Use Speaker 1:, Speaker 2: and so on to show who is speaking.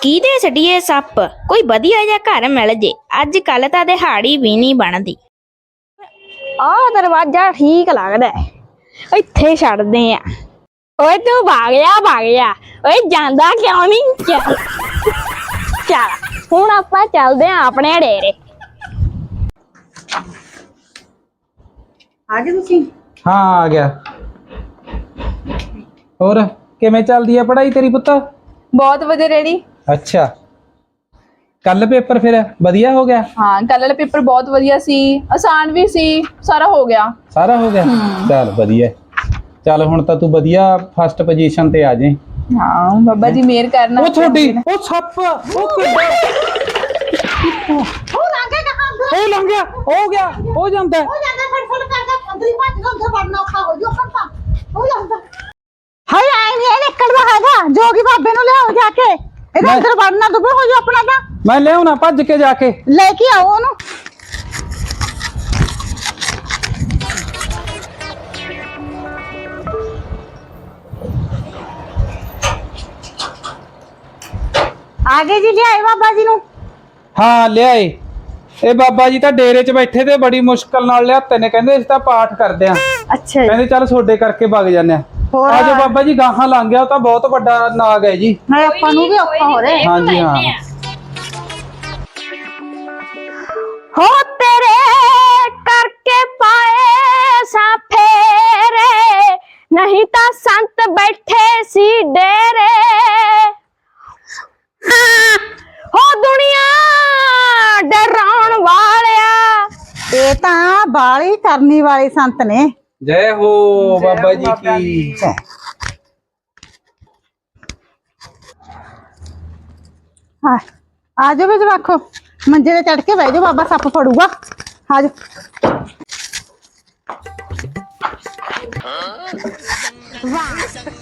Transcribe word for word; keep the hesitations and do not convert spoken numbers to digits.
Speaker 1: ਕਿਹਦੇ ਛੱਡੀਏ ਸੱਪ ਕੋਈ ਵਧੀਆ ਜਿਹਾ ਘਰ ਮਿਲ ਜੇ। ਅੱਜ ਕੱਲ ਤਾਂ ਦਿਹਾੜੀ ਵੀ ਨਹੀਂ ਬਣਦੀ। ਆਹ ਦਰਵਾਜ਼ਾ ਠੀਕ ਲੱਗਦਾ, ਇੱਥੇ ਛੱਡਦੇ ਆ। ਓਏ ਤੂੰ ਭਾਗ ਜਾ ਭਾਗ ਜਾ, ਓਏ ਜਾਂਦਾ ਕਿਉਂ ਨਹੀਂ? ਚੱਲ ਚੱਲ ਹੁਣ ਆਪਾਂ ਚੱਲਦੇ ਆ ਆਪਣੇ ਡੇਰੇ।
Speaker 2: ਆ ਗਏ ਤੁਸੀਂ?
Speaker 3: ਹਾਂ ਆ ਗਿਆ। ਹੋਰ ਕਿਵੇਂ ਚੱਲਦੀ ਹੈ ਪੜ੍ਹਾਈ ਤੇਰੀ ਪੁੱਤ?
Speaker 2: ਬਹੁਤ ਵਧੀਆ ਡੈਡੀ।
Speaker 3: ਅੱਛਾ, ਕੱਲ ਪੇਪਰ ਫਿਰ ਵਧੀਆ ਹੋ ਗਿਆ?
Speaker 2: ਹਾਂ ਕੱਲ ਵਾਲਾ ਪੇਪਰ ਬਹੁਤ ਵਧੀਆ ਸੀ, ਆਸਾਨ ਵੀ ਸੀ, ਸਾਰਾ ਹੋ ਗਿਆ।
Speaker 3: ਸਾਰਾ ਹੋ ਗਿਆ? ਚੱਲ ਵਧੀਆ। ਚੱਲ ਹੁਣ ਤਾਂ ਤੂੰ ਵਧੀਆ ਫਸਟ ਪੋਜੀਸ਼ਨ ਤੇ ਆ ਜਾਏ।
Speaker 2: ਹਾਂ ਬਾਬਾ ਜੀ ਮਿਹਰ ਕਰਨਾ।
Speaker 3: ਉਹ ਤੁਹਾਡੀ ਉਹ ਸੱਪ ਉਹ ਕਿੱਦਾਂ
Speaker 4: ਉਹ ਲੰਘੇ ਕਹਾਂ ਅੰਦਰ
Speaker 3: ਉਹ ਲੰਘ ਗਿਆ, ਹੋ ਗਿਆ, ਹੋ ਜਾਂਦਾ
Speaker 4: ਹੋ ਜਾਂਦਾ ਫੜ ਫੜ ਕਰਦਾ ਅੰਦਰ ਹੀ ਭੱਜ ਗਿਆ, ਅੰਦਰ ਵੜਨਾ ਔਖਾ ਹੋ ਜੂ ਖੰਪਾ ਹੋ ਜਾਂਦਾ। ਹਾਏ ਆਈ ਨਹੀਂ ਨਿਕਲਦਾ ਹੈਗਾ, ਜੋਗੀ ਬਾਬੇ ਨੂੰ ਲਿਆਓ ਜਾ ਕੇ, ਇਹਦੇ
Speaker 3: ਮੈਂ-
Speaker 4: ਅੰਦਰ ਵੜਨਾ ਦੁੱਬੇ ਹੋ ਜੂ ਆਪਣਾ ਤਾਂ।
Speaker 3: ਮੈਂ ਲਿਆਉਣਾ ਭੱਜ ਕੇ ਜਾ ਕੇ।
Speaker 4: ਲੈ ਕੇ ਆਓ ਉਹਨੂੰ। ਆ ਗਏ ਜੀ, ਲਿਆਏ ਬਾਬਾ ਜੀ ਨੂੰ।
Speaker 3: ਹਾਂ ਲਿਆਏ। ਇਹ ਬਾਬਾ ਜੀ ਤਾਂ ਡੇਰੇ 'ਚ ਬੈਠੇ ਤੇ ਬੜੀ ਮੁਸ਼ਕਲ ਨਾਲ ਲਿਆਤੇ ਨੇ, ਕਹਿੰਦੇ ਅਸੀਂ ਤਾਂ ਪਾਠ ਕਰਦੇ ਆ।
Speaker 4: ਅੱਛਾ
Speaker 3: ਕਹਿੰਦੇ ਚੱਲ ਤੁਹਾਡੇ ਕਰਕੇ ਵਗ ਜਾਂਦੇ ਆ।
Speaker 4: ਹੋਰ?
Speaker 3: ਆਜੋ ਬਾਬਾ ਜੀ, ਗਾਹਾਂ ਲੰਘ ਗਿਆ, ਉਹ ਤਾਂ ਬਹੁਤ ਵੱਡਾ ਨਾਗ ਹੈ ਜੀ।
Speaker 4: ਮੈਂ ਆਪਾਂ ਨੂੰ ਵੀ ਔਖਾ ਹੋ ਰਿਹਾ।
Speaker 3: ਹਾਂਜੀ ਹਾਂ।
Speaker 1: ਹੋ ਤੇਰੇ ਕਰਕੇ ਪਾਏ ਸਾਂ ਫੇਰੇ, ਨਹੀਂ ਤਾਂ ਸੰਤ ਬੈਠੇ ਸੀ ਡੇਰੇ। ਹੋ ਦੁਨੀਆ ਡਰਾਉਣ ਵਾਲਿਆ,
Speaker 4: ਇਹ ਤਾਂ ਬਾਲੀ ਕਰਨੀ ਵਾਲੇ ਸੰਤ ਨੇ।
Speaker 3: ਜੈ ਹੋ ਬਾਬਾ ਜੀ ਕੀ।
Speaker 4: ਹਾਂ ਆ ਜਾਓ ਵੀ ਜਵਾਖੋ, ਮੰਜੇ ਤੇ ਚੜ ਕੇ ਬਹਿ ਜਾਓ, ਬਾਬਾ ਸੱਪ ਫੜੂਗਾ। ਆ ਜਾਓ।